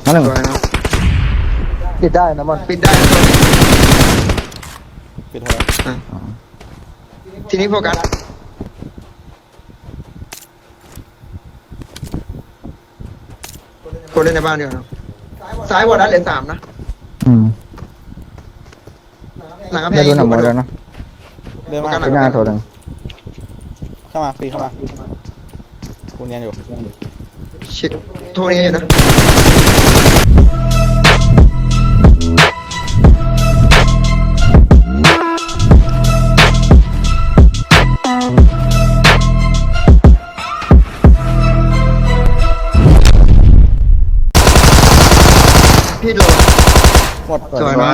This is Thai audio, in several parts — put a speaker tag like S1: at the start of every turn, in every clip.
S1: นั่นหนึ่ง
S2: สวยนะ
S3: ปิดได้นะมัน
S2: ปิดได้นะตัวนี้
S4: ปิดเถอะ
S2: ทีนี้โฟกัสคนเล่นในบ้านเดียวนะซ้ายวอร์ดัสเหลือ3นะ
S1: อืม
S2: หลังกระแพ
S1: ไม่
S2: ง
S1: รู้
S2: ยิง
S1: หนังหมด
S2: อยู่
S1: แล้วนะ
S4: เดินมา
S1: ที่หน้าโถหนึ่ง
S4: เข้ามาปีเข้ามากูเนียนอยู่
S2: ชิดโทรนี้อยู่นะพี่โดน
S4: หมด
S2: สวยนะ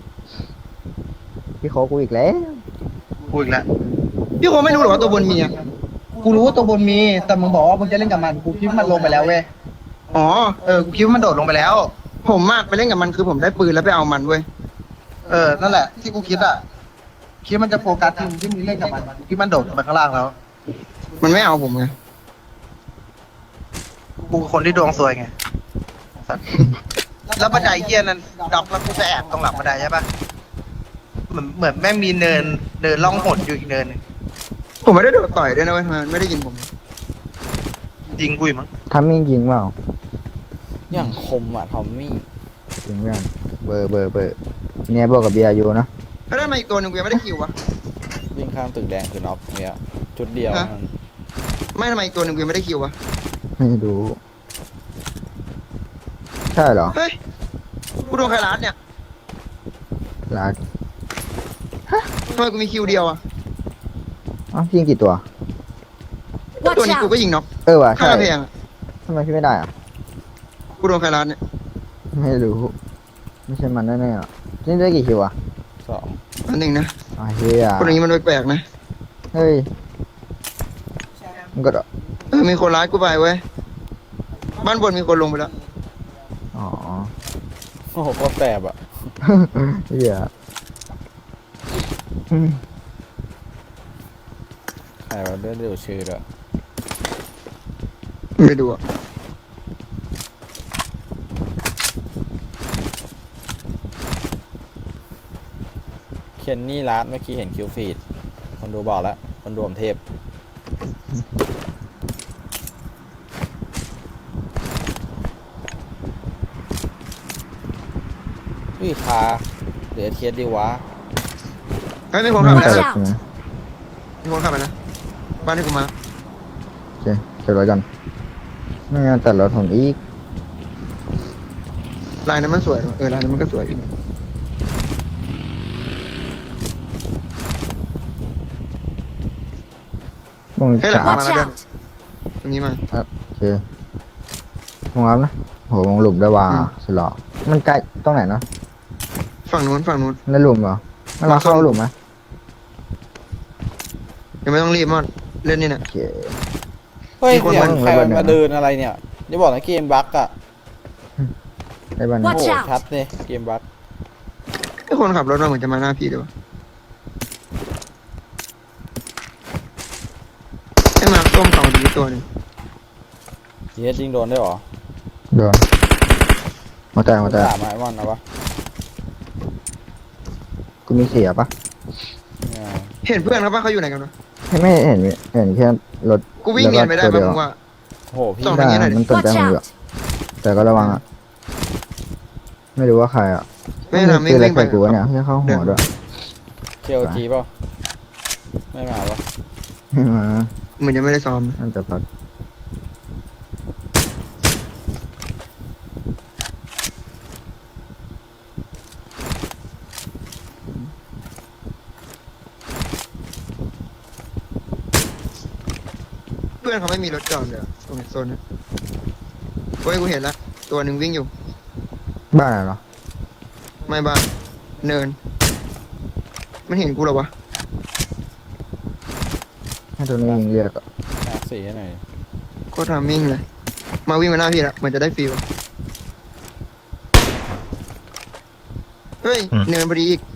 S1: พี่ขอกูอีกแล้ว
S2: พูดอีกแล้วพี่คงไม่รู้หรอกว่าตัวบนมีอ่ะ
S3: กูรู้ว่าตัวบนมีแต่มึงบอกว่ามึงจะเล่นกับมันกูคิดว่ามันลงไปแล้วเว้ย
S2: อ๋อ
S3: กูคิดว่ามันโดดลงไปแล้ว
S2: ผมมากไปเล่นกับมันคือผมได้ปืนแล้วไปเอามันเว้ย
S3: นั่นแหละที่กูคิดอ่ะคิดว่ามันจะโฟกัสทีมที่มึงเล่นกับมันคิดมันโดดลงไปข้างล่างแล้ว
S2: มันไม่เอาผมไง
S3: กูคนที่ดวงซวยไงแล้วบันไดเฮียนั้นด็อกแล้วกูไปแอบตรงหลังบันไดใช่ปะเหมือนแม่งมีเนินล่องหนอยู่อีกเนินนึง
S2: ผมไม่ได้โดดต่อยด้วยนะเว้ยทำไมมันไม่ได้ยินผม
S3: ยิงกูอีกมั้ง
S1: ทำมิ่งยิงเปล่า
S4: อย่างคมอ่ะทอมมี่
S1: ยิงเพื่อนเบอร์เนี่ยบวกกับเบียร์อยู่นะ
S2: แล้วทำไมอีกตัวหนึ่งกูยังไม่ได้คิววะ
S4: วิ่งข้ามตึกแดงคือน็อกเนี่ยจุดเดียว
S2: ฮะ ไม่ทำไมอีกตัวหนึ่งกูยังไม่ได้คิววะ
S1: ไม่รู้ใช่เหรอ
S2: เฮ้ย กูโดนใครรัดเนี่ย
S1: รัก
S2: ทำไมกูมีคิวเดียวอ่ะ
S1: อ๋อยิงกี่ตัว
S2: ตัว
S5: Watch
S2: นี้กู
S5: out!
S2: ก็ยิงน็อก
S1: ว่ะ
S2: ข้า
S1: ใช่
S2: งกระแพงอะ
S1: ทำไมพี่ไม่ได้อ่ะ
S2: กูโดนใครรัดเนี่ย
S1: ไม่รู้ไม่ใช่มันแน่ๆอ่ะนี่ได้กี่คิวอ่ะ
S4: 2
S2: อันหนึ่งนะ
S1: อ๋อเฮีย
S2: คนอย่างนี้มันแปลกๆนะ
S1: เฮ้ยมันก็
S2: มีคนร้ายกูไปเว้ย บ้านบนมีคนลงไปแล้ว
S1: อ๋อ
S4: โอ้โหโคตรแสบอ่ะ
S1: เฮีย
S4: ใครว่าเดินเร็วชื่อด้วย
S2: ไม่ดูอ่ะ
S4: เคนนี่รัดเมื่อกี้เห็นคิวฟีดคนดูบอกแล้วคนดูผมเทพอุ้ยคาเหลือเทียดดีวะ
S2: เฮ้ยมีคนขับไป
S1: แต่
S2: แล้ว
S1: ละทีนะ
S2: มีคนขับไปนะบ้านที่กูมา
S1: โอเคเก็บไว้กันไม่งั้นแต่รถผมอีก
S2: ลายนั้นมันสวยลายนั้นมันก็สวยอยู่
S1: มอง
S2: เฮ้ยหลัง
S1: ขา
S2: มา
S5: Watch
S2: แล้วเดิน
S5: out!
S2: ตรงนี้มา
S1: โอเคมองรับนะโหมองหลุมได้ว่าสุดหล่อมันใกล้ตรงไหนเนาะ
S2: ฝั่งนู้นฝั่งนู้น
S1: ในหลุมเหรอมันเราเข้าหลุมไหม
S2: ยังไม่ต้องรีบมอนเล่นนี่เนี่ย
S1: โอเค
S4: เฮ้ย
S2: มีคน
S4: เสียง
S1: มา
S4: ใครมัน
S1: ระเบิด
S4: มาเดินอะไรเนี่ยอย่าบอกนะเกมบั๊กอ่ะ
S1: ได้บ้าน
S4: โอ้
S5: Watch
S4: โห
S5: out
S4: ชัดเนี่ยเกมบั๊ก
S2: ไอ้คนขับรถมาเหมือนจะมาหน้าพี่เลยวะไอ้มาต้มสองดีตัวหนึง
S4: เฮียยิงโดนได้หรอ
S1: โดนมาแต่
S4: สามไม้วันนะวะ
S1: กูมีเสียปะ
S4: เนี่ย
S2: เห็นเพื่อนเขาปะเขาอยู่ไหนกันวะ
S1: ไม่เห็นแค่รถ
S2: กูวิ่งเนียนไปได้
S1: แล้ว
S2: ปะ
S1: ก็
S2: มึงว่า
S4: โอ้โหพี่
S2: ส่อง
S1: ได้
S2: หน่อยดิ
S1: มันสนใจ
S5: Watch
S1: ผมอยู่
S5: out!
S1: แต่ก็ระวังอ่ะไม่รู้ว่าใครอ่ะ
S2: ไม่ทำไม่
S1: คืออะไร
S2: วิ่งไป
S1: ใส่กูวะเนี่ยที่เข้าหัวด้วย
S4: เคียวจีเปล่าไม่มาวะ
S1: ไม่มา
S2: เหมือนยังไม่ได้ซ้อม
S1: น่าจะพัก
S2: เพื่อนเขาไม่มีรถจอดเลยอะตรงโซนนี้เฮ้ยกูเห็นละตัวหนึ่งวิ่งอยู่
S1: บ้านอะไรเหรอ
S2: ไม่บ้านเนิน มันเห็นกูเหรอวะ
S1: ให้ตัวนี้ยิงเรียกอะ
S4: หาสีให้หน่อย
S2: โคตรทำมิ่งเลย มาวิ่งมาหน้าพี่ละเหมือนจะได้ฟีลเฮ้ยเนินพอดีอีก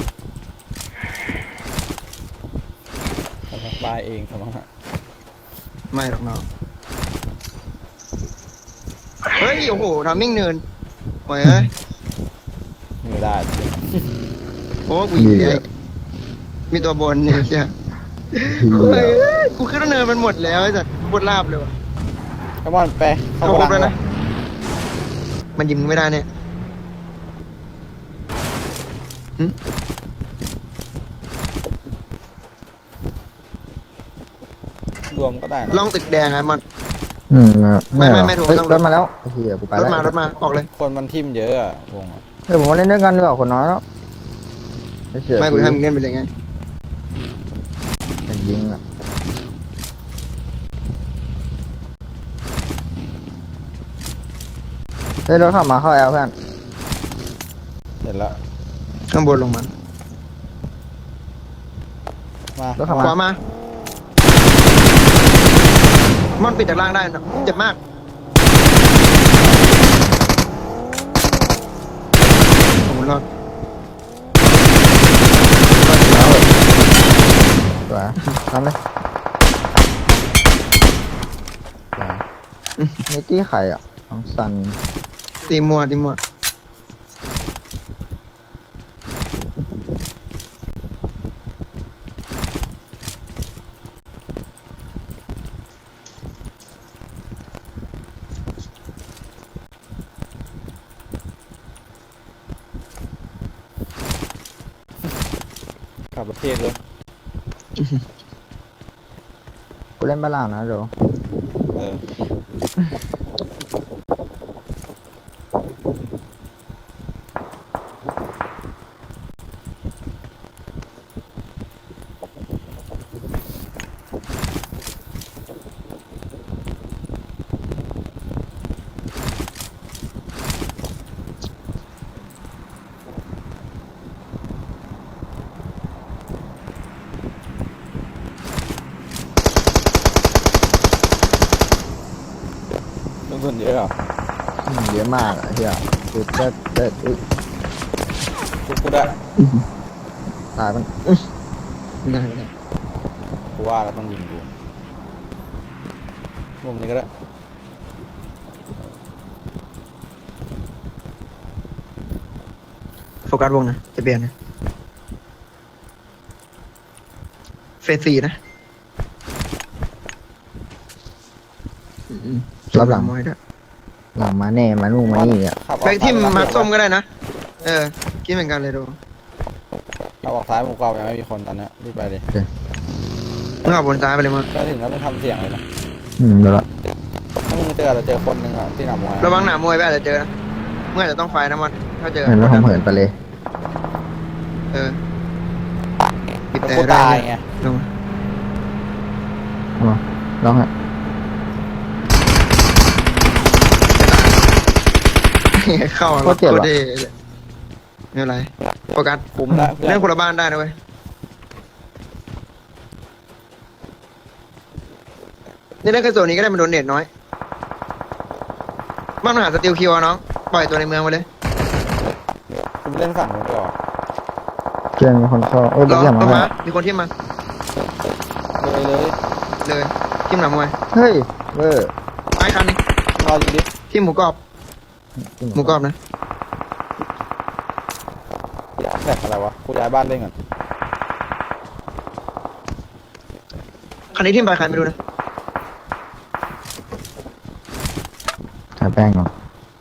S4: ทำบายเองสมองฮะ
S2: ไม่หรอกน้องเฮ้ยโอ้โหทำมิ่งเนินปล่อยเอ้ย
S4: ไม่ได้
S2: โอ้กูยิงไอ้มีตัวบนเนี่ยเชีย
S1: เหี้
S2: เฮ้
S1: ย
S2: ยกูขึ้นเนินมันหมดแล้วไอ้สัตว์บนลาบเลยว่ะ
S4: ไอ้บอลไปเข้า
S2: เข้าครบ
S4: ก
S2: แล้ว
S4: ระดั
S2: นะ
S4: ง
S2: มันยิงมึงไม่ได้เนี่ยหึ
S4: รวมก็ได้นะ
S2: ล่องตึกแดงไงมัน
S1: ไม่หรอ
S2: ไม่ถูก
S1: เฮ้ย
S2: ต้อง
S1: รถมาแล้วไอ้เหี้ยกูไป
S2: ร
S1: แล้
S2: ถ
S1: ว
S2: มารถมาออกเลย
S4: คนมันทิ่มเยอะอะวงอะ
S1: เฮ้ยผมมาเล่นด้วยกันดีกว่าคนน้อยแล้วไอ้เสีย
S2: ไม่กูทำมึงเล่นไปเลยไง
S1: เป็นยิงอ่ะเฮ้ยรถขับมาเข้าแอลเพื่อน
S4: เห็นแล้ว
S2: ข้างบนลงมา
S4: มาร
S1: ถขับ
S2: ข
S1: มา
S2: วามามันปิดจากล่างได้นะเจ็บมากผมรอด
S1: สวยทำเลยนี่ตี้ไข่อ่ะของซัน
S2: ตีมัวตีมัว
S4: กลับประเทศเลย
S1: กูเล่นบ้านล่างนะเดี๋ยว
S4: เออ ต้นทุนเยอะอ่ะ
S1: เยอะมากอ่ะเฮียคือจะอุ๊ย
S4: กูได้
S1: ตายมัน
S2: ได้ได้
S4: กูว่าเราต้องยิงกูมุมนี้ก็ได้
S2: โฟกัสวงนะจะเปลี่ยนนะเฟส4นะ
S1: รับหลัง
S2: มวยด้วย
S1: หลังมาแน่มานู่นมานี่อ่ะ
S4: ขับออก
S2: ไปที่
S4: ซ้ย
S2: มาร์คส้มก็ได้นะเออคิดเหมือนกันเลยดู
S4: ขับออกซ้ายมุมขวายังไม่มีคนตอนเนี้ยรีบไปเลย
S2: มึงเอาบนซ้ายไปเลยมั้ง
S4: ก็ถึงแล้วต้องทำเสียงเลยนะ
S1: เดี๋ยวละ
S4: ถ้ามึงเจอเราเจอคนหนึ่งอ่ะที่หนามวย
S2: ระวังหนามวยไปอาจจะเจอนะเมื่ออาจจะต้องไฟนะมันถ้าเจอ
S1: เห็นแล้วผมเหินไปเลย
S2: เออปิด
S4: แต่
S2: แต่
S4: กู
S2: ได้
S4: ตายไง
S2: ลง
S1: มาลองฮะ
S2: เข้า
S1: โคตรเจ็บ
S2: โค
S1: อ่ะ
S2: ตรเท่เลยไม่เป็นไรโฟกัส
S4: คุมได้เพื่อ
S2: เล่น
S4: น
S2: คนละบ้านได้นะเว้ยนี่เล่นแค่โซนนี้ก็ได้มันโดนเน็ตน้อยบ้านมหาสติลคิวอะน้องปล่อยตัวในเมืองไปเลย
S4: กูเล่นฝั่งนู้นก่อน
S1: เพื่อนมีคนเข้าเอ้ย
S2: รอ
S1: อย่า
S2: ต้
S1: มาน
S2: มามีคนที่มา
S4: เลย
S2: เลยทิมหนามวย
S1: เฮ้ยเวอร์
S2: ไอ้คันนี้
S4: รอยิงดิ
S2: ทิมหมูกรอบหมูกรอบนะ
S4: แตกอะไรวะกูย้ายบ้านเล่นก่อน
S2: คันนี้ทิมไปใครไม่รู้นะ
S1: ทาแป้งก่อน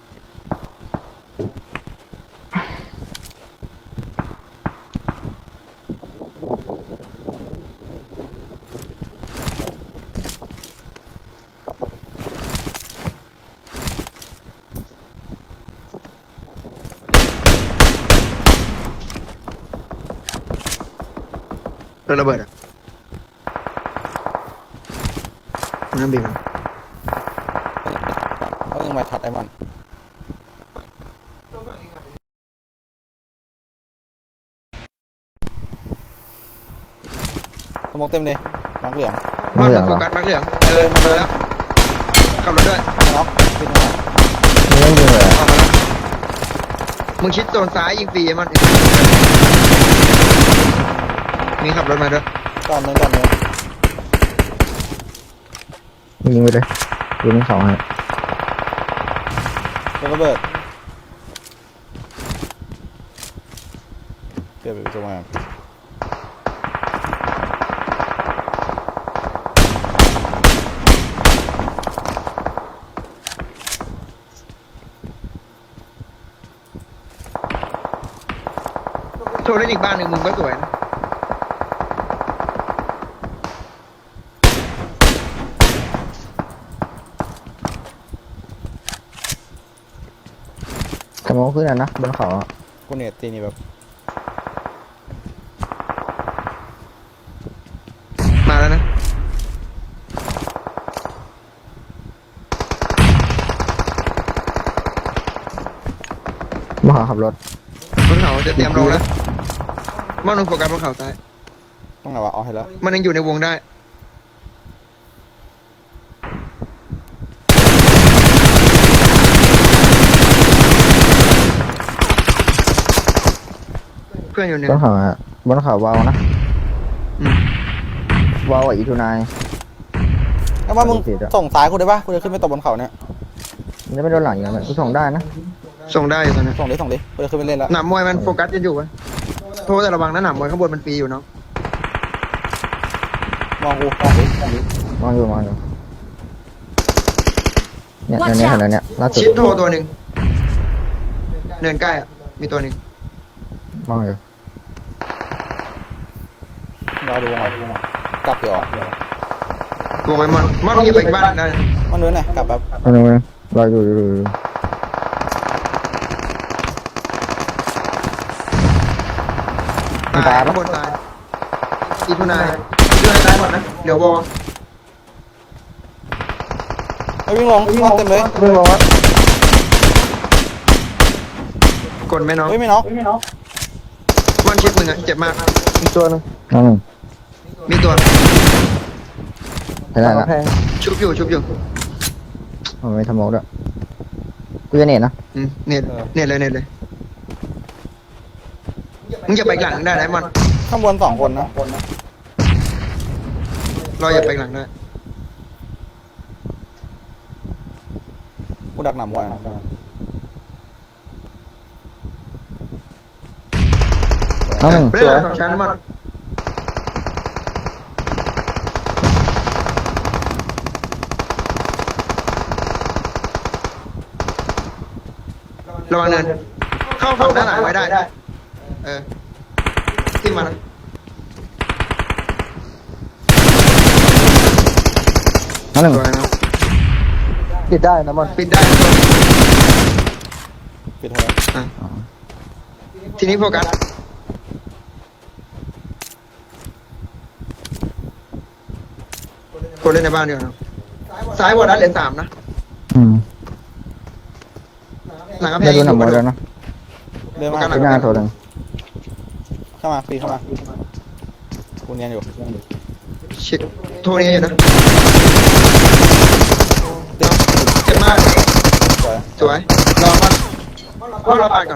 S2: โดนระเบิดอ่ะน้ำบีบมัน
S4: เขายังมาทัดไอ้มันสมองเต็มเลยน้องเหลือง
S2: บ้าน
S1: เหลื
S2: มั
S1: อน ง
S2: โฟ
S1: เหรอ
S2: กัสมาเหลืองมาแล้วขับรถด้วย
S4: น็อกขึ้นมา
S1: ไม่ได้ยิงเลย
S2: ออกมาแล้วมึงชิดโซนซ้ายยิงฟรีมันมีขับรถมาด้วย
S4: ก่อนนึง
S1: ยิงไปเลยยิงสองให้
S4: เป็นระเบิดเดี๋ยวไปตัวมา
S2: โชว์เล่นอีกบ้านหนึ่งมึงก็สวยนะ
S1: สมองขึ้นอ่ะนะบนเขาอะ
S4: กูเนี่ยตีนี่แบบ
S2: มาแล้วนะ
S1: บนเขาขับรถ
S2: บนเขาจะเตรียมรอแล้วมันลงโฟกัสบนเขาซ้าย
S4: ต้องไงวะเอาให้แล้ว
S2: มันยังอยู่ในวงได้เพื่อนอยู่หนึ่ง
S1: บนเขาอะบนเขาวาวนะ
S2: อืม
S1: วาวกับอีทูนาย
S4: แล้วว่ามึง
S1: ผิดอะ
S4: ส่งซ้ายกูได้ปะกูจะขึ้นไปตบบนเขาเนี่ย
S1: มันจะไม่โดนหลังอย่างนั้นกูส่งได้นะ
S2: ส่งได้อยู่ตอนนี้
S4: ส่งดิกูจะขึ้นไปเล่นแล้ว
S2: หนามมวยมันโฟกัสกันอยู่ปะโทษแต่ระวังนะหนามมวยข้างบนมันปีอยู่เนาะ
S4: มองกูมองดิ
S1: มองอยู่เนี่ยเนี่ยเห็นแล้วเนี่ยล่าสุด
S2: ชิดโทรตัวหนึ่งเนินใกล้อ่ะมีตัวหนึ่ง
S1: มองอยู่
S4: รอดูวงไหนกลับเดี๋ยว
S2: ตัวไว้มันยิงไปอีกบ้านได้นะ
S4: มันนู้นไงกลับแบบ
S1: เอาหนึ่งรออยู่
S2: ตายข้างบนตายอีทุนายตายหมดนะเดี๋ยววอ
S4: ไอ้วิ่งลงเต็มเลย
S1: เรื่องร้อน
S2: กดไหมน้อง
S4: เฮ้ยไม่น็อก
S2: มันชิดมึงอ่ะเจ็บมาก
S1: อีกตัวนึงน้องหนึ่ง
S2: มีตัว
S1: เห็นได้ละ
S2: ชุบอยู่
S1: มันไม่ทำมองด้วยกูจะเน็ตนะ
S2: เน็ตเลยมึงอย่าไปอีกหลังได้นะมัน
S4: ข้างบน2 คนนะ
S2: เราอย่าไปอีกหลังได้
S4: กูดักหนำไว้
S1: น้องหนึ่ง
S2: ไม่
S1: ส
S2: ได้
S1: วย
S2: ของฉันมันระวังเนินเข้าฝั่งด้านหลังไว้ได้ขึ้นมานะ
S1: น้องหนึ่ง
S2: สวยนะ
S1: ปิดได้นะมัน
S2: ปิดได้
S4: ปิดเถอะ
S2: ทีนี้โฟกัสคนเล่นในบ้านดีกว่านะซ้ายวอร์ดัสเหลือ3นะ หลังกระแพ
S1: ได้
S2: ง
S1: ดูหนังมวยแล้วนะ
S4: เดินมา
S1: ที่หน้าโทรหนึ่ง
S4: เข้ามาปีเข้ามากูเนียนอยู่
S2: ชิดโทรนี้อยู่นะเจ็บมาก
S4: สวย
S2: สวยรอมันรอปาดก่อน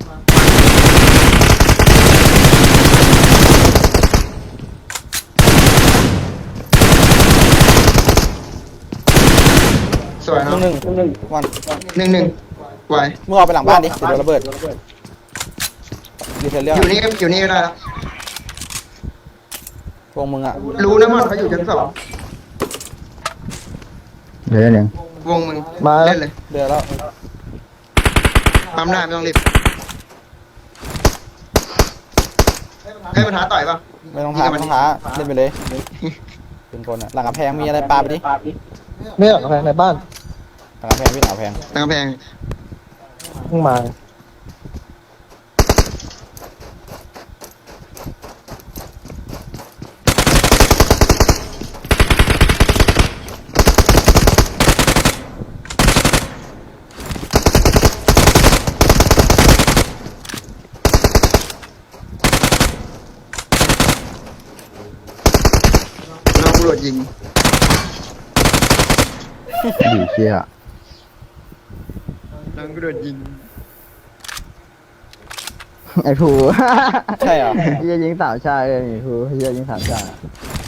S2: สวยเนาะ
S4: หนึ่งวัน
S2: 1-1ไหว
S4: มึงเอาไปหลังบ้านดิเดี๋ยวโดนระเบิดดีเทลเรื่อง
S2: อยู่นี่ก็ได้แล้ว
S4: วงมึงอ่ะ
S2: รู้นะมันเขาอยู่ชั้น2
S1: เดี๋ยวหนึ่ง
S2: วงมึงเล่นเลย
S4: เดือแล้ว
S2: ปั๊มได้ไม่ต้องรีบให้มันท้าต่อยป่ะ
S4: ไม่ต้องท้าเล่นไปเลยเป็นคนอ่ะหลังกำแพงมีอะไรปาไปดิ
S1: ไม่หรอกกาแฟในบ้าน
S4: หลังกำแพงพี่หลังกำแพง
S2: ตั้งกำแพง
S1: เพิ่งมา
S2: น้องตำรวจยิง
S1: ดีเชี่ย
S2: น้องตำรวจยิง
S1: ไอ้ผู
S4: ใช่เหรอ
S1: เฮียยิงสาวชายเลยไอ้ผูเฮียยิงสาวชาย